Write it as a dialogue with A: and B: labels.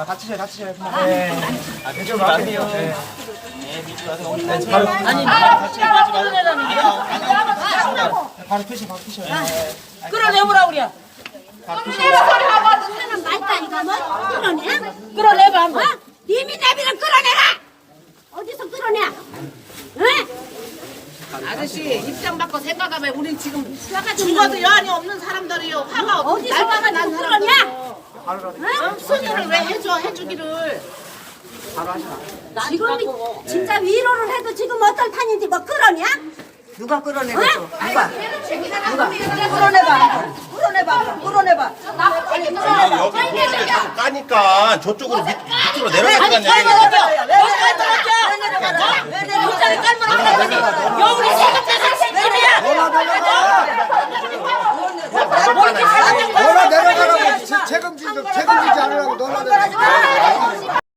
A: 다치셔요. 네. 대충 안 돼요. 네. 바로 피셔.
B: 끌어내보라 우리야.
C: 하는 말다니까 뭐 끌어내?
B: 끌어내봐 한번.
C: 님이 내비를 끌어내라. 어디서 끌어내? 응?
D: 아저씨 입장 바꿔 생각하면 우리 지금 죽어도 여한이 없는 사람들이요. 화가
C: 어디서
D: 날마다 난
C: 와가지고 끌어내?
D: 사람들. 순위를 왜 해주기를.
C: 지금 진짜 위로를 해도 지금 어떨 판인지 뭐 끌어내?
E: 누가 끌어내겠어? 누가? 끌어내봐.
F: 여기 자꾸 까니까 저쪽으로 밑으로 내려가니까
B: 여우리 생각해서 생집이야.
A: 너나 내려가라고 책임지지 않으라고 너나 내려가.